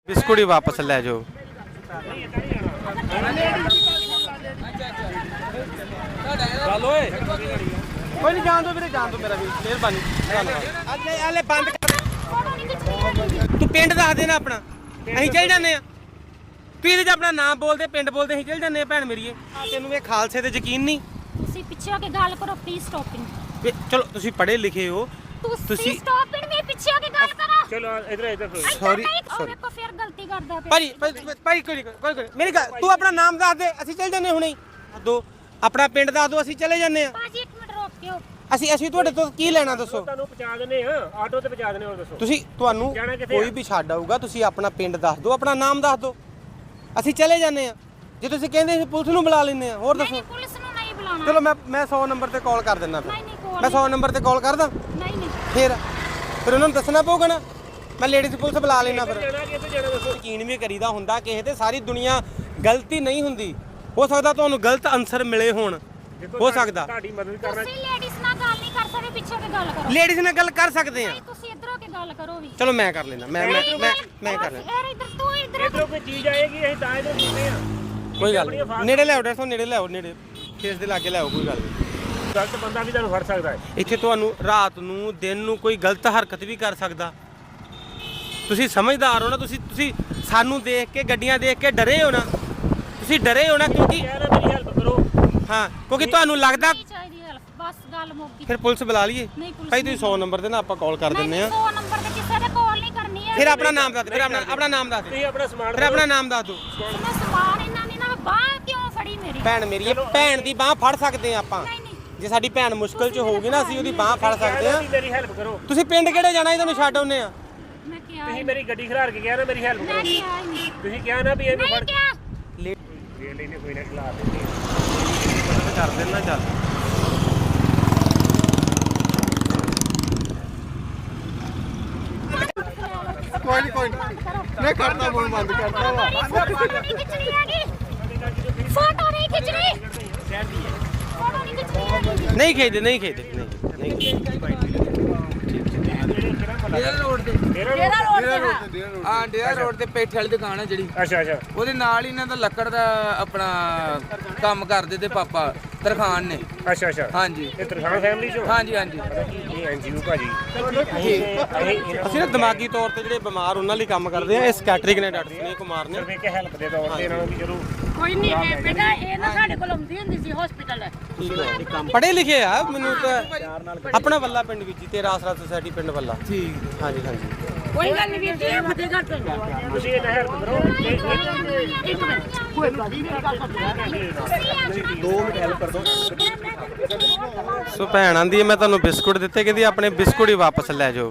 Biscuit ही वापस ले जाओ। कोई नहीं जान दो मेरे, जान दो मेरा भी, मेहरबानी। बंद कर तू पिंड दस देना अपना, ਅਸੀਂ ਚੱਲ ਜਾਂਦੇ ਆ। ਤੂੰ ਇਹਦੇ 'ਚ ਆਪਣਾ ਨਾਮ ਬੋਲਦੇ, ਪਿੰਡ ਬੋਲਦੇ, ਅਸੀਂ ਚੱਲ ਜਾਂਦੇ ਆ ਭੈਣ ਮੇਰੀਏ। ਤੈਨੂੰ ਇਹ ਖਾਲਸੇ ਤੇ ਯਕੀਨ ਨਹੀਂ? ਤੁਸੀਂ ਪਿੱਛੇ ਹੋ ਕੇ ਗੱਲ ਕਰੋ ਪਲੀਜ਼ ਸਟਾਪਿੰਗ। ਚਲੋ ਤੁਸੀਂ ਪੜ੍ਹੇ ਲਿਖੇ ਹੋ, ਤੁਸੀਂ ਸਟਾਪਿੰਗ ਮੇਰੇ ਪਿੱਛੇ ਹੋ ਕੇ ਗੱਲ ਕਰੋ। ਚਲੋ ਇਧਰ ਸੌਰੀ ਵੇਖੋ ਫਿਰ ਗਲਤੀ ਕਰਦਾ ਪਿਆ। ਭਾਈ ਕੋਈ ਮੇਰੀ ਗੱਲ, ਤੂੰ ਆਪਣਾ ਨਾਮ ਦੱਸ ਦੇ, ਅਸੀਂ ਚੱਲ ਜਾਂਦੇ ਹੁਣੇ ਹੀ। ਦੋ ਆਪਣਾ ਪਿੰਡ ਦੱਸ ਦੋ, ਅਸੀਂ ਚਲੇ ਜਾਂਦੇ ਆ। ਭਾਜੀ ਇੱਕ ਮਿੰਟ ਰੁਕ ਕੇ। ਅਸੀਂ ਤੁਹਾਡੇ ਤੋਂ ਕੀ ਲੈਣਾ ਦੱਸੋ? ਤੁਹਾਨੂੰ ਪਹੁੰਚਾ ਦਿੰਦੇ ਆ, ਆਟੋ ਤੇ ਪਹੁੰਚਾ ਦਿੰਦੇ ਹੋਰ ਦੱਸੋ। ਤੁਹਾਨੂੰ ਕੋਈ ਵੀ ਛੱਡ ਆਊਗਾ, ਤੁਸੀਂ ਆਪਣਾ ਪਿੰਡ ਦੱਸ ਦਿਓ, ਆਪਣਾ ਨਾਮ ਦੱਸ ਦਿਓ, ਅਸੀਂ ਚਲੇ ਜਾਂਦੇ ਆ। ਜੇ ਤੁਸੀਂ ਕਹਿੰਦੇ ਅਸੀਂ ਪੁਲਿਸ ਨੂੰ ਬੁਲਾ ਲੈਂਦੇ ਆ, ਹੋਰ ਦੱਸੋ। ਨਹੀਂ ਪੁਲਿਸ ਨੂੰ ਨਹੀਂ ਬੁਲਾਉਣਾ। ਚਲੋ ਮੈਂ 100 ਨੰਬਰ ਤੇ ਕਾਲ ਕਰ ਦਿੰਦਾ। ਫਿਰ ਨਹੀਂ ਮੈਂ 100 ਨੰਬਰ ਤੇ ਕਾਲ ਕਰਦਾ। ਨਹੀਂ ਫਿਰ ਉਹਨਾਂ ਨੂੰ ਦੱਸਣਾ ਪਊਗਾ ਨਾ, ਮੈਂ ਲੇਡੀਜ਼ ਪੁਲਿਸ ਬੁਲਾ ਲੈਣਾ। ਫਿਰ ਜਾਣਾ ਕਿੱਥੇ ਜਾਣਾ ਦੱਸੋ। ਯਕੀਨ ਵੀ ਕਰੀਦਾ ਹੁੰਦਾ ਕਿਸੇ ਤੇ, ਸਾਰੀ ਦੁਨੀਆ ਗਲਤੀ ਨਹੀਂ ਹੁੰਦੀ। ਹੋ ਸਕਦਾ ਤੁਹਾਨੂੰ ਗਲਤ ਆਨਸਰ ਮਿਲੇ ਹੋਣ, ਹੋ ਸਕਦਾ। ਤੁਹਾਡੀ ਮਦਦ ਕਰਨਾ। ਤੁਸੀਂ ਲੇਡੀਜ਼ ਨਾਲ ਗੱਲ ਨਹੀਂ ਕਰ ਸਕਦੇ, ਪਿੱਛੇ ਹੋ ਕੇ ਗੱਲ ਕਰੋ। ਲੇਡੀਜ਼ ਨਾਲ ਗੱਲ ਕਰ ਸਕਦੇ ਆ। ਨਹੀਂ ਤੁਸੀਂ ਇੱਧਰ ਹੋ ਕੇ ਗੱਲ ਕਰੋ ਵੀ। ਚਲੋ ਮੈਂ ਕਰ ਲੈਣਾ, ਮੈਂ ਕਰ ਲੈਣਾ। ਯਾਰ ਇੱਧਰ ਤੂੰ ਇੱਧਰ ਇਧਰੋਂ ਕੋਈ ਚੀਜ਼ ਆਏਗੀ, ਅਸੀਂ ਤਾਂ ਇਹਦੇ ਦਿੰਦੇ ਆ। ਕੋਈ ਗੱਲ ਨਹੀਂ, ਨੇੜੇ ਲਿਆਓ ਡਾਕਟਰ ਸਾਹਿਬ, ਨੇੜੇ ਲਿਆਓ, ਨੇੜੇ ਫੇਸ ਦੇ ਲਾਗੇ ਲਿਆਓ, ਕੋਈ ਗੱਲ ਨਹੀਂ। ਗਲਤ ਬੰਦਾ ਵੀ ਤੁਹਾਨੂੰ ਫੜ ਸਕਦਾ ਹੈ। ਇੱਥੇ ਤੁਹਾਨੂੰ ਰਾਤ ਨੂੰ ਦਿਨ ਨੂੰ ਕੋਈ ਗਲਤ ਹਰਕਤ ਵੀ ਕਰ ਸਕਦਾ। ਤੁਸੀਂ ਸਮਝਦਾਰ ਹੋ ਨਾ, ਤੁਸੀਂ ਸਾਨੂੰ ਦੇਖ ਕੇ, ਗੱਡੀਆਂ ਦੇਖ ਕੇ ਡਰੇ ਹੋ ਨਾ, ਤੁਸੀਂ ਡਰੇ ਹੋ ਨਾ, ਕਿਉਂਕਿ ਕਹਿ ਰਿਹਾ ਮੇਰੀ ਹੈਲਪ ਕਰੋ। ਹਾਂ, ਕਿਉਂਕਿ ਤੁਹਾਨੂੰ ਲੱਗਦਾ। ਨਹੀਂ ਚਾਹੀਦੀ ਹੈਲਪ, ਬਸ ਗੱਲ ਮੁੱਕ ਗਈ। ਫਿਰ ਪੁਲਿਸ ਬੁਲਾ ਲਈਏ? ਨਹੀਂ ਪੁਲਿਸ ਭਾਈ ਤੁਸੀਂ 100 ਨੰਬਰ ਤੇ ਨਾ ਆਪਾਂ ਕਾਲ ਕਰ ਦਿੰਦੇ ਆ। 100 ਨੰਬਰ ਤੇ ਕਿਸੇ ਦੇ ਕਾਲ ਨਹੀਂ ਕਰਨੀ ਹੈ। ਫਿਰ ਆਪਣਾ ਨਾਮ ਦੱਸ ਦੇ, ਫਿਰ ਆਪਣਾ ਨਾਮ ਦੱਸ ਦੇ, ਤੁਸੀਂ ਆਪਣਾ ਸਮਾਨ ਫਿਰ ਆਪਣਾ ਨਾਮ ਦੱਸ ਦਿਓ। ਮੈਂ ਸਮਾਨ ਇਹਨਾਂ ਨੇ ਨਾ ਬਾਹ ਕਿਉਂ ਫੜੀ ਮੇਰੀ? ਭੈਣ ਮੇਰੀ, ਭੈਣ ਦੀ ਬਾਹ ਫੜ ਸਕਦੇ ਆ ਆਪਾਂ। ਨਹੀਂ ਨਹੀਂ ਜੇ ਸਾਡੀ ਭੈਣ ਮੁਸ਼ਕਲ 'ਚ ਹੋਊਗੀ ਨਾ, ਅਸੀਂ ਉਹਦੀ ਬਾਹ ਫੜ ਸਕਦੇ ਆ। ਮੇਰੀ ਹੈਲਪ ਕਰੋ। ਤੁਸੀਂ ਪਿੰਡ ਕਿਹੜੇ ਜਾਣਾ, ਇਹ ਤੁਹਾਨੂੰ ਛੱਡ ਆਉਂਦੇ ਆ। ਮੈਂ ਕਿਹਾ ਤੁਸੀਂ ਮੇਰੀ ਗੱਡੀ ਖਿਲਾਰ ਕੇ ਕਿਹਾ ਨਾ ਮੇਰੀ ਹੈਲਪ ਮੈਂ ਕਰੋ। ਕਿਹਾ ਹੀ ਨਹੀਂ। ਤੁਸੀਂ ਕਿਹਾ ਨਾ ਵੀ ਇਹਨੂੰ ਨਹੀਂ ਫੜ ਕਿਹਾ। ਲੈ ਲੈਨੇ, ਕੋਈ ਨਾ ਖਿਲਾਰ ਦਿੰਦੇ ਕਰ ਦੇਣਾ, ਚੱਲ ਕੋਈ ਨਹੀਂ ਮੈਂ ਕਰਦਾ ਫੋਨ ਬੰਦ ਕਰਦਾ ਵਾ। ਫੋਟੋ ਨਹੀਂ ਖਿੱਚਣੀ ਹੈਗੀ, ਫੋਟੋ ਨਹੀਂ ਖਿੱਚਣੀ, ਫੋਟੋ ਨਹੀਂ ਖਿੱਚਣੀ ਹੈਗੀ। ਨਹੀਂ ਖੇਦੇ, ਨਹੀਂ ਖੇਦੇ, ਨਹੀਂ ਡੇਰਾ ਰੋਡ ਤੇ ਪੇਠੇ ਵਾਲੀ ਦੁਕਾਨ ਹੈ ਜਿਹੜੀ, ਅੱਛਾ ਉਹਦੇ ਨਾਲ ਹੀ ਇਹਨਾਂ ਦਾ ਲੱਕੜ ਦਾ ਆਪਣਾ ਕੰਮ ਕਰਦੇ ਤੇ ਪਾਪਾ ਤਰਖਾਨ ਨੇ। ਅੱਛਾ ਹਾਂਜੀ ਇਹ ਤਰਖਾਨ ਫੈਮਿਲੀ ਚੋਂ? ਹਾਂਜੀ ਇਹ ਐਨਜੀਓ ਭਾਜੀ। ਅਸੀਂ ਨਾ ਦਿਮਾਗੀ ਤੌਰ ਤੇ ਜਿਹੜੇ ਬਿਮਾਰ ਉਹਨਾਂ ਲਈ ਕੰਮ ਕਰਦੇ ਆ। ਇਸ ਕੈਟਰਿੰਗ ਨੇ ਡਾਕਟਰ ਸੁਨੀਲ ਕੁਮਾਰ ਨੇ ਸਿਰਫ ਇੱਕ ਹੈਲਪ ਦੇ ਤੌਰ ਤੇ ਇਹਨਾਂ ਨੂੰ ਵੀ ਜ਼ਰੂਰ। ਕੋਈ ਨਹੀਂ ਹੈ ਬੇਟਾ, ਇਹ ਨਾ ਸਾਡੇ ਕੋਲ ਆਉਂਦੀ ਹੁੰਦੀ ਸੀ ਹਸਪੀਟਲ। ਪੜ੍ਹੇ ਲਿਖੇ ਆ। ਮੈਨੂੰ ਤਾਂ ਆਪਣਾ ਵੱਲਾ ਪਿੰਡ ਵਿੱਚ ਹੀ, ਤੇਰਾ ਆਸਰਾ ਸੁਸਾਇਟੀ ਪਿੰਡ ਵੱਲਾ। ਠੀਕ। ਹਾਂਜੀ ਕੋਈ ਗੱਲ ਨਹੀਂ ਵੀਰ ਜੀ, ਇਹ ਫਤਿਹਗੜ੍ਹ ਤੋਂ ਤੁਸੀਂ ਇਹਨਾਂ ਹੈਲਪ ਕਰੋ। ਇੱਕ ਮਿੰਟ, ਕੋਈ ਗੱਲ ਨਹੀਂ, ਮੇਰੀ ਗੱਲ ਸੁਣ। 2 ਮਿੰਟ ਹੈਲਪ ਕਰ ਦਿਓ। ਸੋ ਭੈਣ ਆਂਦੀ ਮੈਂ ਤੁਹਾਨੂੰ ਬਿਸਕੁਟ ਦਿੱਤੇ, ਕਹਿੰਦੀ ਆਪਣੇ ਬਿਸਕੁਟ ਹੀ ਵਾਪਸ ਲੈ ਜਾਓ।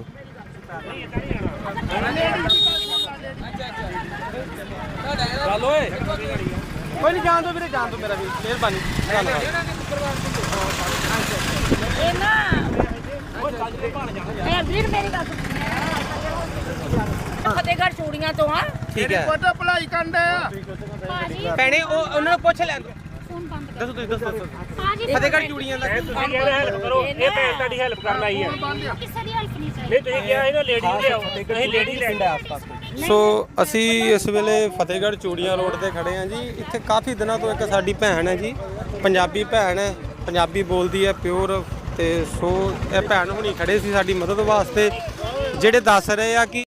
ਚੱਲ ਓਏ। ਕੋਈ ਨਹੀਂ, ਜਾਣ ਦੋ ਵੀਰੇ, ਜਾਣ ਦੋ ਮੇਰਾ ਵੀ, ਮਿਹਰਬਾਨੀ। ਇਹ ਨਾ ਇਹ ਵੀਰ ਮੇਰੀ ਗੱਲ ਸੁਣ। ਫਤਿਹਗੜ੍ਹ ਚੂੜੀਆਂ ਤੋਂ ਆ। ਠੀਕ ਹੈ ਭਲਾਈ ਕੰਡਾ ਆ। ਭਾਜੀ ਭੈਣੇ, ਉਹਨਾਂ ਨੂੰ ਪੁੱਛ ਲੈਣ ਦਿਓ। ਫੋਨ ਬੰਦ ਕਰ। ਦੱਸੋ ਤੁਸੀਂ ਦੱਸੋ। ਭਾਜੀ ਫਤਿਹਗੜ੍ਹ ਚੂੜੀਆਂ ਦਾ ਤੁਸੀਂ ਕਹਿੰਦੇ ਹੈਲਪ ਕਰੋ, ਇਹ ਭੈਣ ਤੁਹਾਡੀ ਹੈਲਪ ਕਰਨ ਆਈ ਹੈ। ਕਿਸੇ ਦੀ ਹੈਲਪ ਨਹੀਂ ਚਾਹੀਦੀ। ਨਹੀਂ ਤੁਸੀਂ ਕਿਹਾ ਸੀ ਨਾ ਲੇਡੀ ਲਿਆਓ, ਅਸੀਂ ਲੇਡੀ ਲੈਂਦੇ ਆਸ-ਪਾਸ। ਸੋ ਅਸੀਂ ਇਸ ਵੇਲੇ ਫਤਿਹਗੜ੍ਹ ਚੂੜੀਆਂ ਰੋਡ ਤੇ ਖੜੇ ਹਾਂ ਜੀ। ਇੱਥੇ ਕਾਫੀ ਦਿਨਾਂ ਤੋਂ ਇੱਕ ਸਾਡੀ ਭੈਣ ਹੈ ਜੀ, ਪੰਜਾਬੀ ਭੈਣ ਹੈ, ਪੰਜਾਬੀ ਬੋਲਦੀ ਹੈ ਪਿਓਰ। ਤੇ ਸੋ ਇਹ ਭੈਣ ਹੁਣੀ ਖੜੇ ਸੀ ਸਾਡੀ ਮਦਦ ਵਾਸਤੇ, ਜਿਹੜੇ ਦੱਸ ਰਹੇ ਆ ਕਿ